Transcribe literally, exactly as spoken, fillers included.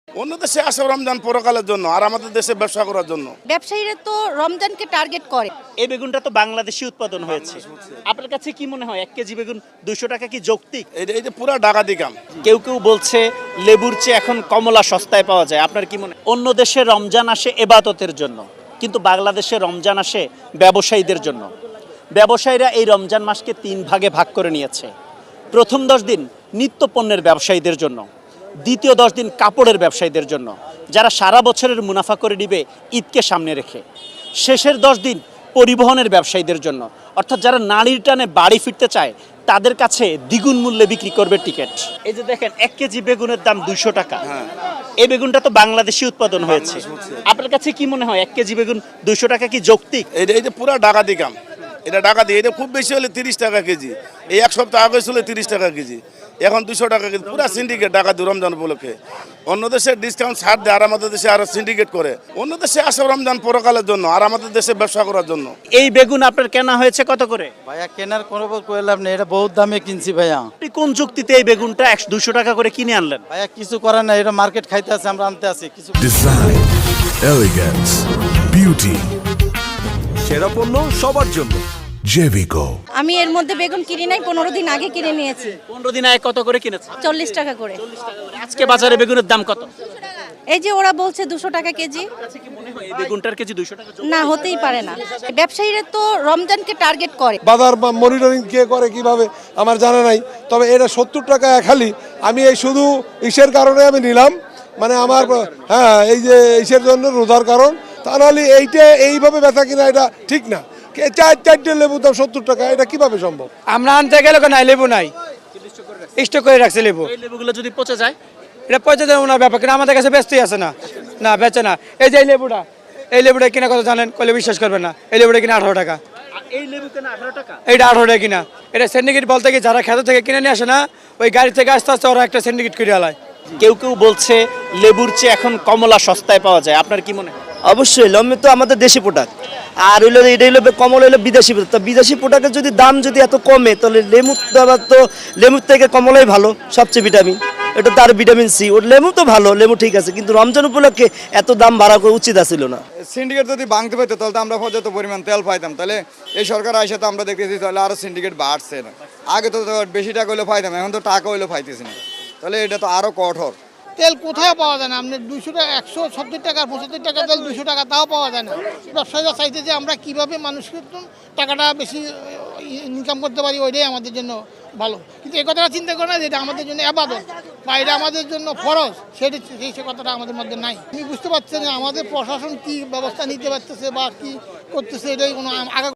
অন্য দেশে আসে রমজান পরকালের জন্য, আর আমাদের দেশে ব্যবসা করার জন্য। ব্যবসায়ীরা তো রমজানকে টার্গেট করে। এই বেগুনটা তো বাংলাদেশি উৎপাদন হয়েছে। আপনার কাছে কি মনে হয় এক কেজি বেগুন দুইশো টাকা কি যৌক্তিক? এই যে- এই যে পুরা ডাকাতি কাম। কেউ কেউ বলছে লেবুর চেয়ে এখন কমলা সস্তায় পাওয়া যায়। আপনার কি মনে হয়? অন্য দেশে রমজান আসে এবাদতের জন্য, কিন্তু বাংলাদেশে রমজান আসে ব্যবসায়ীদের জন্য। ব্যবসায়ীরা এই রমজান মাসকে তিন ভাগে ভাগ করে নিয়েছে। প্রথম দশ দিন নিত্য পণ্যের ব্যবসায়ীদের জন্য, দ্বিতীয় দশ দিন কাপড়ের ব্যবসায়ীদের জন্য, যারা সারা বছরের মুনাফা করে নিবে ঈদকে সামনে রেখে। শেষের দশ দিন পরিবহনের ব্যবসায়ীদের জন্য, অর্থাৎ যারা নারীর টানে বাড়ি ফিরতে চায় তাদের কাছে দ্বিগুণ মূল্যে বিক্রি করবে টিকিট। এই যে দেখেন এক কেজি বেগুনের দাম দুইশো টাকা। এই বেগুনটা তো বাংলাদেশি উৎপাদন হয়েছে। আপনার কাছে কি মনে হয় এক কেজি বেগুন দুইশো টাকা কি যৌক্তিক? এই যে- এই যে পুরা ডাকাতি কাম, এটা ডাকাতি। এটা খুব বেশি হলে তিরিশ টাকা কেজি, এই এক সপ্তাহ আগে ছিল তিরিশ টাকা কেজি, এখন দুশো টাকা কেজি। পুরা সিন্ডিকেট ডাকাতি রমজান উপলক্ষে। অন্য দেশে ডিসকাউন্ট ছাড় দেয়, আর আমাদের দেশে আরো সিন্ডিকেট করে। অন্য দেশে আসে রমজান পরকালের জন্য, আর আমাদের দেশে ব্যবসা করার জন্য। এই বেগুন আপনার কেনা হয়েছে কত করে? ভাইয়া কেনার কোনো কইলাম না, এটা বহুত দামে কিনছি ভাইয়া। আপনি কোন যুক্তিতে এই বেগুনটা একশো দুশো টাকা করে কিনে আনলেন? ভাইয়া কিছু করার না, এটা মার্কেট খাইতে আছে, আমরা আনতে আছি কিছু। ডিজাইন, এলিগেন্স, বিউটি, সেরা পণ্য সবার জন্য জেভিকো। আমি এর মধ্যে বেগুন কিনি নাই, পনেরো দিন আগে কিনে নিয়েছি পনেরো দিন আগে কত করে কিনেছে? চল্লিশ টাকা করে। আজকে বাজারে বেগুনের দাম কত? এই যে ওরা বলছে দুশো টাকা কেজি, এই বেগুনটার কেজি দুইশো টাকা। না হতেই পারে না। ব্যবসায়ীরা তো রমজানকে টার্গেট করে। বাজার বা মনিটরিং কে করে কিভাবে আমার জানা নাই, তবে এটা সত্তর টাকা এক হালি। আমি এই শুধু ইসের কারণে আমি নিলাম, মানে আমার হ্যাঁ এই যে ইসের জন্য রোজার কারণ, তা নাহলে এইটা এইভাবে বেচা কিনা এটা ঠিক না। কে চার চারটে লেবু দাম সত্তর টাকা, এটা কিভাবে সম্ভব? আমরা আনতে গেলে নাই লেবু নাই, স্টক করে রাখছে লেবু। এই লেবুগুলো যদি পচে যায়? এটা পয়সা দেবো না ব্যাপার, কিন্তু আমাদের কাছে ব্যস্তই আছে না, না বেচে না। এই যে এই লেবুটা, এই লেবুটা কিনা কথা জানেন, কলে বিশ্বাস করবেন না। এই লেবুটা কিনা আঠারো টাকা, আর এই লেবু কেনা আঠারো টাকা? এইটা আঠারো টাকা কিনা। এটা সিন্ডিকেট বলতে কি, যারা খেতে থেকে কিনে নিয়ে আসে না, ওই গাড়ি থেকে আস্তে আস্তে ওরা একটা সিন্ডিকেট করে আলায়। কেউ কেউ বলছে লেবুর চেয়ে এখন কমলা সস্তায় পাওয়া যায়। আপনার কি মনে হয়? অবশ্যই লম্বে তো আমাদের দেশি প্রোডাক্ট, আর হইলো এটা হইলো কমল হইলো বিদেশি প্রোডাক্ট। তো বিদেশি প্রোডাক্টের যদি দাম যদি এত কমে, তাহলে লেবু তো লেবুর থেকে কমলাই ভালো, সবচেয়ে ভিটামিন। এটা তো আর ভিটামিন সি, ওর লেবু তো ভালো, লেবু ঠিক আছে, কিন্তু রমজান উপলক্ষে এত দাম বাড়া করা উচিত ছিল না। সিন্ডিকেট যদি ভাঙতে পারতো তাহলে তো আমরা পর্যাপ্ত পরিমাণ তেল পাইতাম। তাহলে এই সরকার আইসা তো আমরা দেখতেছি তাহলে আরো সিন্ডিকেট বাড়ছে না। আগে তো বেশি টাকা হইলে পাইতাম, এখন তো টাকা হইলে পাইতেছি না, তাহলে এটা তো আরো কঠোর। তেল কোথায় পাওয়া যায় না, আপনি দুইশো টাকা একশো সত্তর টাকা পঁচাত্তর টাকা তেল দুশো টাকা তাও পাওয়া যায় না। ব্যবসায়ীরা চাইতে যে আমরা কীভাবে মানুষকে টাকাটা বেশি ইনকাম করতে পারি, ওইটাই আমাদের জন্য ভালো। কিন্তু এই কথাটা চিন্তা করে না যে এটা আমাদের জন্য আবাদত বা এটা আমাদের জন্য ফরজ, সেটা সেই সে কথাটা আমাদের মধ্যে নাই। আমি বুঝতে পারছি না আমাদের প্রশাসন কী ব্যবস্থা নিতে পারতেছে বা কী করতেছে, এটাই কোনো আগা